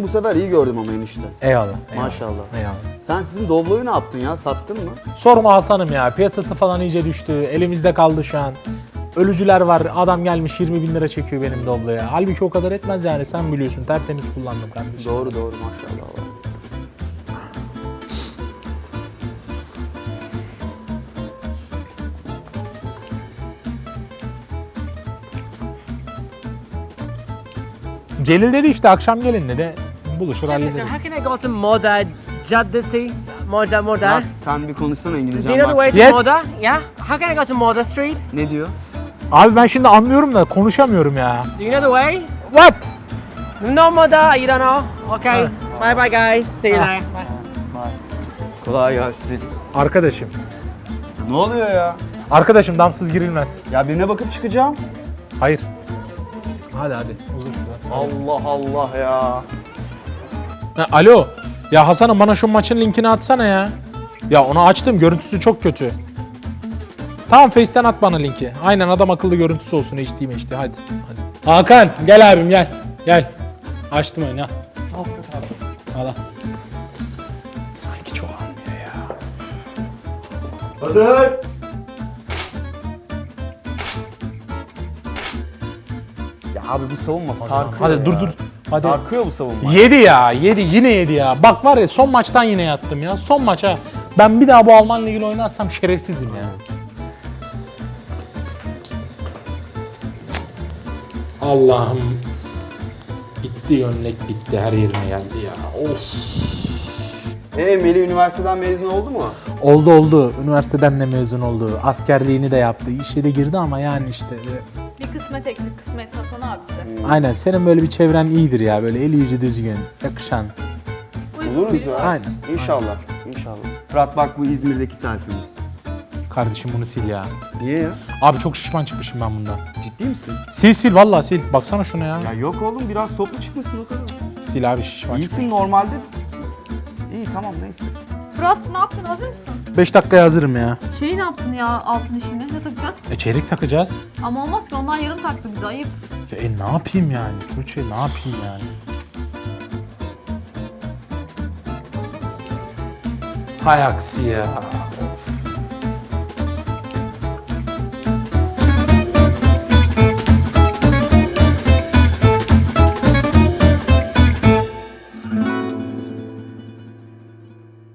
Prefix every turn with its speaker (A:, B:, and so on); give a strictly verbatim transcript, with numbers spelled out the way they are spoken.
A: Seni bu sefer iyi gördüm ama enişte.
B: Eyvallah. eyvallah.
A: Maşallah.
B: Eyvallah.
A: Sen sizin Doblo'yu ne yaptın ya? Sattın mı?
B: Sorma Hasan'ım ya. Piyasası falan iyice düştü. Elimizde kaldı şu an. Ölücüler var. Adam gelmiş yirmi bin lira çekiyor benim Doblo'ya. Halbuki o kadar etmez yani. Sen biliyorsun. Tertemiz kullandım kardeşim.
A: Doğru doğru maşallah.
B: Celil dedi işte akşam gelin dedi. Buluşur hallederiz.
C: How can I go to Moda Caddesi? Moda Moda.
A: Ya, sen bir konuşsana
C: Do
A: İngilizcen
C: you know the
A: var.
C: way to
B: Yes.
C: Moda? Yeah. How can I go to Moda Street?
A: Ne diyor?
B: Abi ben şimdi anlıyorum da konuşamıyorum ya.
C: Do you know the way?
B: What?
C: No Moda. You don't know? Okay. Bye bye guys. See you there. Bye.
A: Kolay gelsin.
B: Arkadaşım.
A: Ne oluyor ya?
B: Arkadaşım damsız girilmez.
A: Ya birine bakıp çıkacağım.
B: Hayır. Hadi hadi. Uzun şurada.
A: Allah Allah ya.
B: Ha, alo. Ya Hasan'ım bana şu maçın linkini atsana ya. Ya onu açtım. Görüntüsü çok kötü. Tamam Face'ten at bana linki. Aynen adam akıllı görüntüsü olsun. H D mi H D. Hadi. Hadi. Hakan gel abim gel. Gel. Açtım oyunu. Sağ ol abi. Al. Sanki çok almıyor ya.
A: Hazır. Ya abi bu savunma sarkıyor
B: Hadi
A: ya.
B: dur dur. Hadi.
A: Sarkıyor bu savunma.
B: Yedi ya, yedi, yine yedi ya. Bak var ya son maçtan yine yattım ya. Son maç ha. Ben bir daha bu Alman Ligi'yle oynarsam şerefsizim ya. Allah'ım. Bitti gömlek bitti, her yerime geldi ya. Of.
A: Ee Melih üniversiteden mezun oldu mu?
B: Oldu oldu. Üniversiteden de mezun oldu. Askerliğini de yaptı. İşe de girdi ama yani işte.
D: Bir kısmet eksik, kısmet Hasan abisi.
B: Aynen senin böyle bir çevren iyidir ya. Böyle eli yüzü düzgün, yakışan.
D: Uygun
A: Oluruz
D: biri
A: ya.
D: var.
B: Aynen.
A: İnşallah. İnşallah. Fırat bak bu İzmir'deki selfie'miz.
B: Kardeşim bunu sil ya.
A: Niye ya?
B: Abi çok şişman çıkmışım ben bundan.
A: Ciddi misin?
B: Sil sil vallahi sil. Baksana şuna ya.
A: Ya yok oğlum biraz soplu çıkmışsın o kadar.
B: Sil abi şişman çıkmış.
A: İyisin normalde. İyi tamam neyse.
D: Fırat ne yaptın, hazır mısın?
B: beş dakikaya hazırım ya.
D: Şeyi ne yaptın ya altın işini, ne takacağız?
B: E çeyrek takacağız.
D: Ama olmaz ki ondan yarım taktı bize, ayıp.
B: Ya e ne yapayım yani? Tuğçe ne yapayım yani? Hay aksi ya.